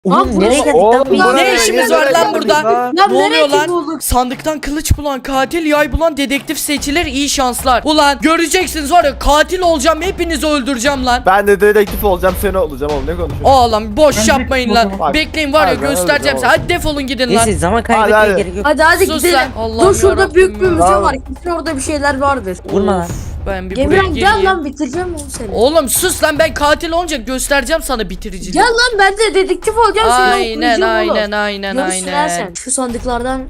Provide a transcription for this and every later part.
Oğlum nereye geldik Oğlum, lan? buraya Ne işimiz var lan burada? Lan Ne oluyor nereye lan? bulduk? Sandıktan kılıç bulan, katil yay bulan, dedektif seçilir, iyi şanslar. Ulan göreceksiniz var ya, katil olacağım, hepinizi öldüreceğim lan. Ben de dedektif olacağım, seni olacağım oğlum, ne konuşuyorsun? Oğlum boş Ben yapmayın de- lan. Bak, Bekleyin var ya, hadi, göstereceğim hadi, size. Hadi defolun gidin lan. Neyse zaman Hadi, kaybetmeye hadi. gerek yok. Hadi Sus gidelim. lan. Allah'ım Dur şurada yarabbim büyük bir ya. müze Tamam. var. Kesin orada bir şeyler vardır. Vurma lan. Ben bir buraya Emirhan gel geleyim. lan bitireceğim onu seni. Oğlum sus lan, ben katil olunca göstereceğim sana bitiriciliği. Gel lan ben de dedektif olacağım seni Aynen okuyacağım oğlum. aynen Görürsün ha sen. aynen. Şu sandıklardan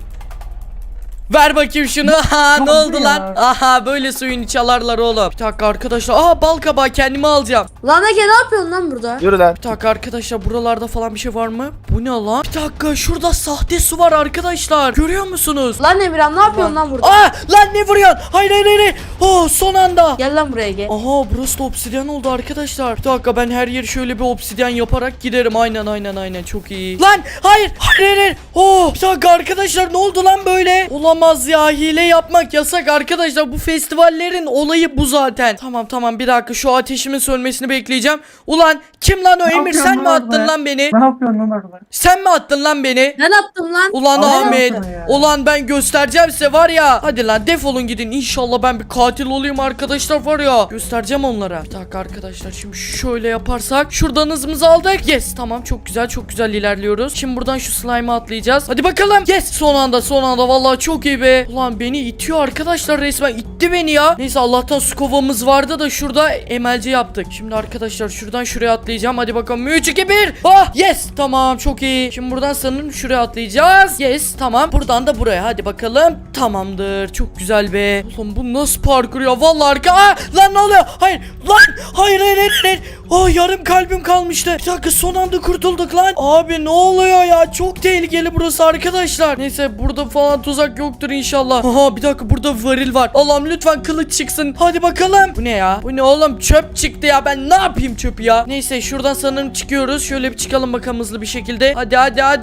Ver bakayım şunu. Aha ne Tamam oldu ya. lan? Aha böyle suyunu çalarlar oğlum. Bir dakika arkadaşlar. Aha bal kabağı, kendimi alacağım. Lan Ege ne yapıyorsun lan burada? Yürü lan. Bir dakika arkadaşlar, buralarda falan bir şey var mı? Bu ne lan? Bir dakika, şurada sahte su var arkadaşlar. Görüyor musunuz? Lan Emirhan ne yapıyorsun lan burada? Aa lan ne vuruyorsun? Hayır hayır hayır. Oh son anda. Gel lan buraya Ege. Aha burası da obsidyen oldu arkadaşlar. Bir dakika, ben her yeri şöyle bir obsidyen yaparak giderim. Aynen çok iyi. Lan hayır hayır. Oh bir dakika arkadaşlar, ne oldu lan böyle? Olamaz ya, hile yapmak yasak arkadaşlar. Bu festivallerin olayı bu zaten. Tamam bir dakika, şu ateşimin sönmesini bekleyeceğim. Ulan kim lan o Emir, yapıyorsun sen mi lan attın orada? lan beni? Ne yapıyorsun lan orada? Sen mi attın lan beni? Ben attım lan. Ulan Abi ne Ahmet, yaptın ya? ulan ben göstereceğim size var ya. Hadi lan defolun gidin. İnşallah ben bir katil olayım arkadaşlar var ya. Göstereceğim onlara. Bir dakika arkadaşlar, şimdi şöyle yaparsak. Şuradan hızımızı aldık. Yes tamam, çok güzel ilerliyoruz. Şimdi buradan şu slime'a atlayacağız. Hadi bakalım. Yes son anda vallahi çok iyi be. Ulan beni itiyor arkadaşlar, resmen itti beni ya. Neyse Allah'tan su kovamız vardı da şurada emelci yaptık. Şimdi arkadaşlar şuradan şuraya atlayacağım. Hadi bakalım 3 2 1. Ah yes tamam çok iyi. Şimdi buradan sanırım şuraya atlayacağız. Yes tamam, buradan da buraya. Hadi bakalım. Tamamdır, çok güzel be. Oğlum bu nasıl parkur ya, vallahi harika. Lan ne oluyor? Hayır lan, hayır. Oh yarım kalbim kalmıştı. Bir dakika, son anda kurtulduk lan. Abi ne oluyor ya, çok tehlikeli burası arkadaşlar. Neyse burada falan tuzak yoktur inşallah. Aha bir dakika, burada varil var. Allah'ım lütfen kılıç çıksın. Hadi bakalım. Bu ne ya? Bu ne oğlum, çöp çıktı ya, ben ne yapayım çöpü ya. Neyse şuradan sanırım çıkıyoruz. Şöyle bir çıkalım bakalım hızlı bir şekilde. Hadi.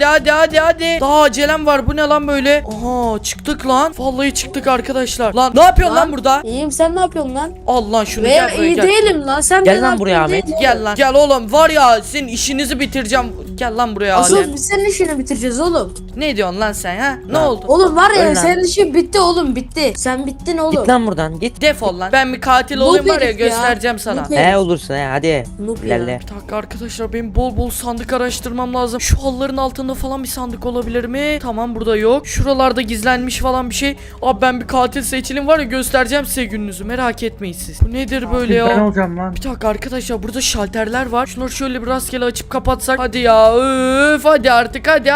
Daha acelem var, bu ne lan böyle? Aha çıktık lan. Vallahi çıktık arkadaşlar. Lan ne yapıyorsun lan burada? İyiyim sen ne yapıyorsun lan? Al lan şunu, Ve gel buraya iyi gel. değilim lan. Sen Gel de lan ne buraya yapıyorsun Ahmet. değil mi? Gel lan. Gel oğlum, var ya senin işinizi bitireceğim. Gel lan buraya Asıl Adem. biz senin işini bitireceğiz oğlum. Ne diyorsun lan sen ha? Ne Lan. oldu? Oğlum var ya Öl lan. senin işin bitti oğlum bitti. Sen bittin oğlum. Git lan buradan git. Defol lan. Ben bir katil Bu olayım var ya, herif ya. göstereceğim sana. Bu herif. He olursun he hadi. Noob ya. İlerle. Bir dakika arkadaşlar, benim bol sandık araştırmam lazım. Şu halıların altında falan bir sandık olabilir mi? Tamam burada yok. Şuralarda gizlenmiş falan bir şey. Abi ben bir katil seçilim var ya, göstereceğim size gününüzü, merak etmeyin siz. Bu nedir böyle Ben ya? olacağım lan. Bir dakika arkadaşlar, burada şalterler var. Şunları şöyle bir rastgele açıp kapatsak. Hadi ya öf, hadi artık hadi.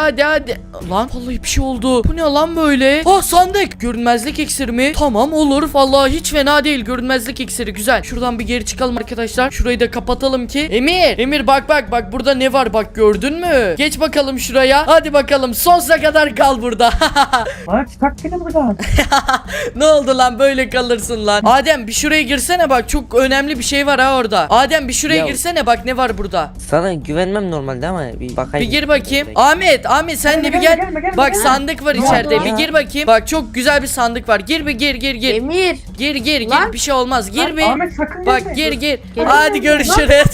Lan vallahi bir şey oldu. Bu ne lan böyle? Ah sandık. Görünmezlik iksiri mi? Tamam olur. Vallahi hiç fena değil. Görünmezlik iksiri güzel. Şuradan bir geri çıkalım arkadaşlar. Şurayı da kapatalım ki. Emir bak burada ne var, bak gördün mü? Geç bakalım şuraya. Hadi bakalım, sonsuza kadar kal burada. Lan çıkart beni buradan. Ne oldu lan, böyle kalırsın lan. Adem bir şuraya girsene, bak çok önemli bir şey var ha orada. Adem bir şuraya Ya- girsene, bak ne var burada. Sana güvenmem normalde ama bir bakayım. Bir gir bakayım. Ahmet sen de bir gel. Bak sandık var içeride. oldu Bir ya? gir bakayım. Bak çok güzel bir sandık var. Gir bir gir. Emir. Gir. Lan. Bir şey olmaz. Gir bir. Ahmet sakın Bak gir. Gel. Hadi görüşürüz.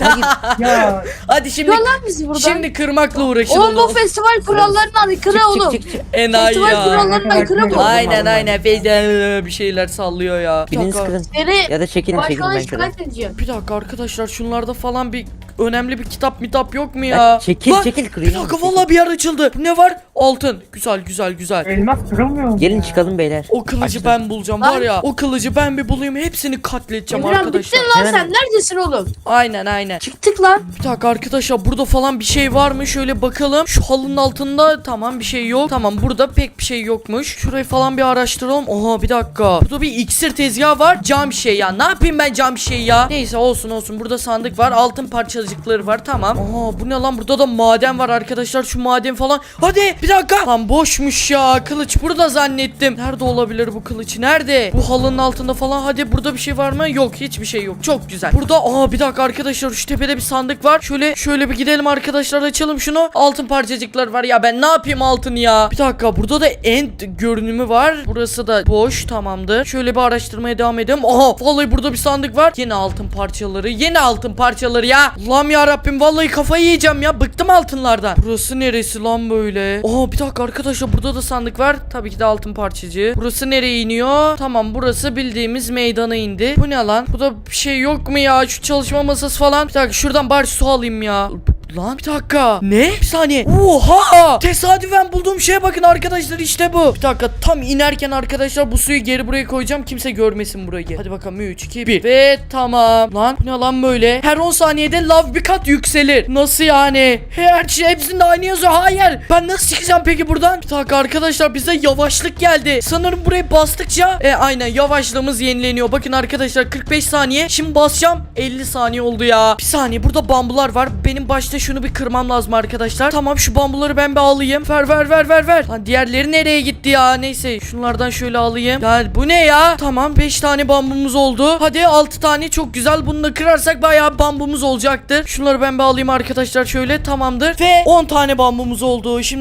Ya. Hadi şimdi Çıkar lan bizi buradan. şimdi kırmakla uğraşın Oğlum bu onu. festival kurallarına aykırı oğlum. Çık. Enayi Festival ya. kurallarına aykırı bu. Aynen. Feyze bir şeyler sallıyor ya. Bir Biriniz dakika. kırın. Seni Ya da çekilin başkana ben kırarım. şikayet edeceğim. Bir dakika arkadaşlar, şunlarda falan bir önemli bir kitap yok mu ya? Ya çekil, Lan, çekil, Bir kırayım. dakika Çekil. vallahi bir yer açıldı. Bu ne var? Altın. Güzel. Elmas kırılmıyor mu? Gelin çıkalım beyler. O kılıcı Açtım. ben bulacağım Lan. var ya. O kılıcı ben bir bulayım, hepsini katledeceğim Emirhan arkadaşlar. bittin lan Hemen- sen neredesin oğlum? Aynen. Çıktık lan. Bir dakika arkadaşlar, burada falan bir şey var mı? Şöyle bakalım. Şu halının altında tamam bir şey yok. Tamam burada pek bir şey yokmuş. Şurayı falan bir araştıralım. Oha bir dakika. Burada bir iksir tezgahı var. Cam şey ya. Ne yapayım ben cam şey ya? Neyse olsun. Burada sandık var. Altın parçacıkları var. Tamam. Oha bu ne lan? Burada da maden var arkadaşlar. Şu maden falan. Hadi bir dakika. Lan boşmuş ya. Kılıç burada zannettim. Nerede olabilir bu kılıç? Nerede? Bu halının altında falan. Hadi burada bir şey var mı? Yok, hiçbir şey yok. Çok güzel. Burada bir dakika arkadaşlar, şu tepede bir sandık var. Şöyle bir gidelim arkadaşlar, açalım şunu. Altın parçacıklar var ya, ben ne yapayım altın ya? Bir dakika, burada da end görünümü var. Burası da boş, tamamdır. Şöyle bir araştırmaya devam edelim. Vallahi burada bir sandık var. Yeni altın parçaları ya. Allah'ım ya Rabbim, vallahi kafayı yiyeceğim ya. Bıktım altınlardan. Burası neresi lan böyle? Aa, bir dakika arkadaşlar, burada da sandık var. Tabii ki de altın parçacığı. Burası nereye iniyor? Tamam, burası bildiğimiz meydana indi. Bu ne lan? Burada bir şey yok mu ya? Şu çalışma masası falan. Bir dakika, şuradan bari su alayım ya. Lan bir dakika. Ne? Bir saniye. Oha! Tesadüfen bulduğum şeye bakın arkadaşlar, işte bu. Bir dakika, tam inerken arkadaşlar bu suyu geri buraya koyacağım. Kimse görmesin burayı. Hadi bakalım, 3, 2, 1. Ve tamam. Lan bu ne lan böyle? Her 10 saniyede lav bir kat yükselir. Nasıl yani? Her şey hepsinde aynı yazıyor. Hayır. Ben nasıl çıkacağım peki buradan? Bir dakika arkadaşlar, bize yavaşlık geldi. Sanırım burayı bastıkça aynen yavaşlığımız yenileniyor. Bakın arkadaşlar, 45 saniye. Şimdi basacağım. 50 saniye oldu ya. Bir saniye, burada bambular var. Benim başta şunu bir kırmam lazım arkadaşlar. Tamam, şu bambuları ben bir alayım. Ver. Lan diğerleri nereye gitti ya? Neyse, şunlardan şöyle alayım. Ya bu ne ya? Tamam, 5 tane bambumuz oldu. Hadi 6 tane, çok güzel. Bunu da kırarsak bayağı bambumuz olacaktır. Şunları ben bir alayım arkadaşlar şöyle. Tamamdır. Ve 10 tane bambumuz oldu. Şimdi